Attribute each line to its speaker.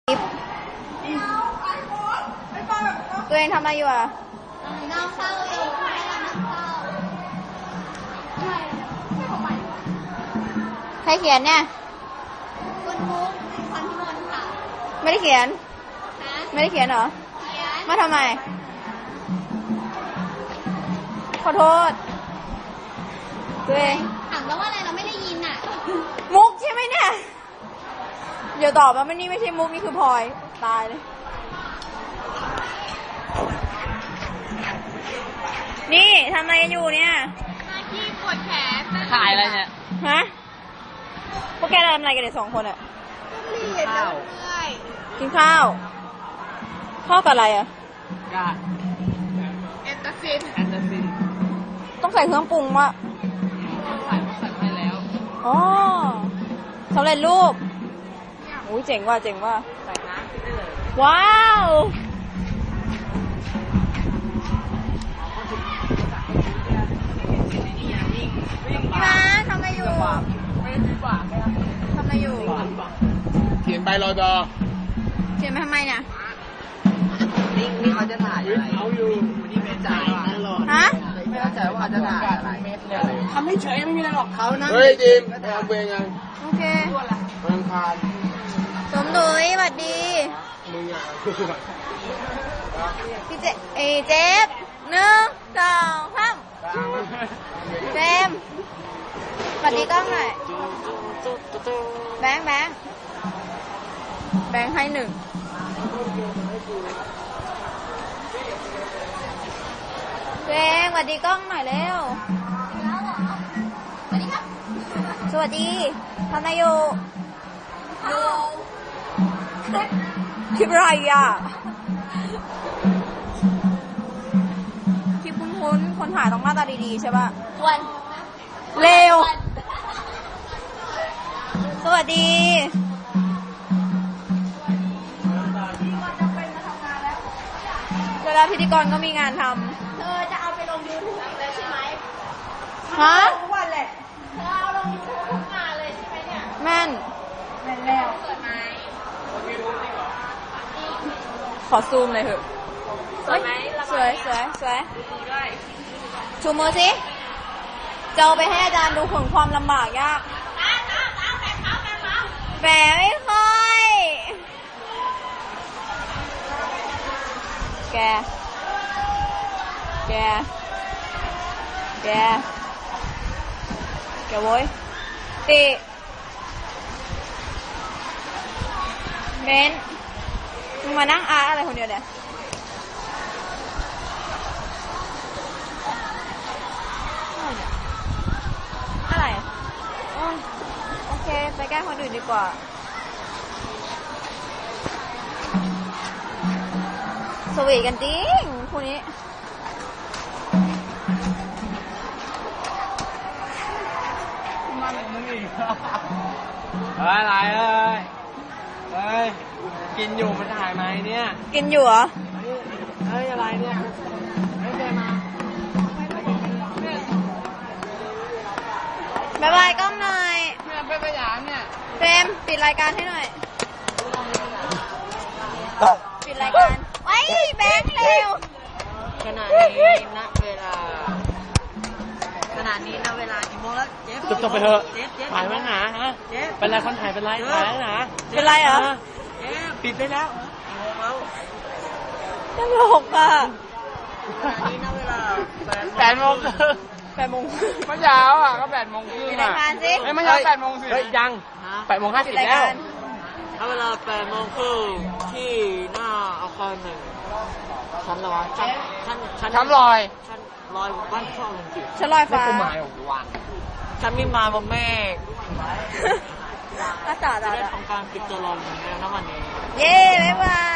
Speaker 1: ตัวเองทำอะไรอยู่อ่ะ
Speaker 2: น้ำเข้าอยู่ไม่น้ำเข้า
Speaker 1: ใครเขียนเนี่ย
Speaker 2: คุณมุกพรพิมลค่ะ
Speaker 1: ไม่ได้เขียนไม่ได้เขียนเหรอมาทำไมขอโทษตัวเอง
Speaker 2: ถามแล้วว่าอะไรเราไม่ได้ยินอ่ะ
Speaker 1: มุกใช่ไหมเนี่ยเดี๋ยวตอบว่ามันนี่ไม่ใช่มุกนี่คือพลอยตายเลยนี่ทำอะไรกันอยู่เนี่ย
Speaker 2: ที่ปวดแขน
Speaker 3: ถ่ายอะไรเนี่ย
Speaker 1: ฮะพวกแกทำอะไรกันเนี่ย2 คนอะกินข้าวข้าวกับอะไรอะ
Speaker 3: กาด
Speaker 2: แอนตาซิน
Speaker 1: ต้องใส่เครื่องปรุงวะ
Speaker 3: ใส่ให้แล้ว
Speaker 1: อ๋อสำเร็จรูปโอ้ยเจ๋งว่ะ
Speaker 3: ใส่น้ำได้เลย
Speaker 1: ว้าวพี่มาทำอะไรอยู่ทำอะไรอยู่
Speaker 4: เขียนใบรอดอ
Speaker 1: เขียนมาทำไมเนี่ย
Speaker 3: นี่เขาจะถ่ายอะไรเขาอยู่นี่ไม่จ่าย
Speaker 1: ฮะ
Speaker 3: ไม่เข้าใจว่าเขาจะถ่ายอะไรทำไม่เฉยไม่มีอะไรหรอกเขานะ
Speaker 4: เฮ้ยจิมทำเองยัง
Speaker 1: โอเค
Speaker 4: มันคาน
Speaker 1: สมดุยสวัสดี
Speaker 4: มึงอ่ะ
Speaker 1: พี่เจฟ1 2 3เจมสวัสดีกล้องหน่อยแบงค์ให้1เจมสวัสดีกล้องหน่อยเร็ว
Speaker 2: สวัสดีครับ
Speaker 1: สวัสดีทำอะไรอยู่คลิปอะไรอ่ะคลิปคุ้นๆคนถ่ายต้องหน้าตาดีๆใช่ป่ะเร็วสวัสดีเวลาพิธีกรก็มีงานท
Speaker 2: เธอจะเอาไปลง YouTube แล้วใช่ไหม
Speaker 1: ำฮะ
Speaker 2: ทุกวันแหละเธอเอาลง YouTube ทุกงานเลยใช่ไหมเนี่ย
Speaker 1: แม่น
Speaker 2: แล้วเกิดไหม
Speaker 1: ขอซูมเลยเถอะสวยชูมือสิจะเอาไปให้อาจารย์ดูผลความลำบากยากแฝงไม่ค่อยแกโว้ยติเบนมึงมานั่งอาร์อะไรคนเดียวเนี่ยอะไรโอเคไปแก้คนอื่นดีกว่าสวีทกันจริงคู่นี้
Speaker 3: อะไรเฮ้ยกินอยู่มันถ่ายไหมเนี่ย
Speaker 1: กินอยู่เหรอ
Speaker 3: เฮ้ยอะไรเนี่ยเฮ้ยเจมา
Speaker 1: บ๊ายบายกล้องหน่อย
Speaker 3: เนี่ยเป็นสยามเนี่ย
Speaker 1: เฟรมปิดรายการให้หน่อยปิดรายการไว้แบงค์เร็ว
Speaker 3: ขณะนี้ณเวลากี่โมงแล้วเจ๊จบไปเถอะถ่ายมาหาฮะเป็นไรคนถ่ายเป็นไรถ่ายแล้วนะ
Speaker 1: เป็นไรเหรอ
Speaker 3: ปิดได้แล้ว
Speaker 1: ตลกอ่ะ
Speaker 3: ขณะนี้ณเวลา8 โมงเมื่อเช้าอ่ะก็8 โมงครึ่ง
Speaker 1: อ่ะ
Speaker 3: ไม่ใช่8 โมงสิยัง8 โมง 50แล้วณเวลา8 โมงครึ่งที่หน้าอาคาร1ชั้นลอยบ้านช่องจริง
Speaker 1: ชั้นลอยฟ้า
Speaker 3: ฉันมีมาบนเมฆ
Speaker 1: อาจารย์
Speaker 3: ได้ทำการปิดตัวลงในวันนี้
Speaker 1: เย้บ๊ายบาย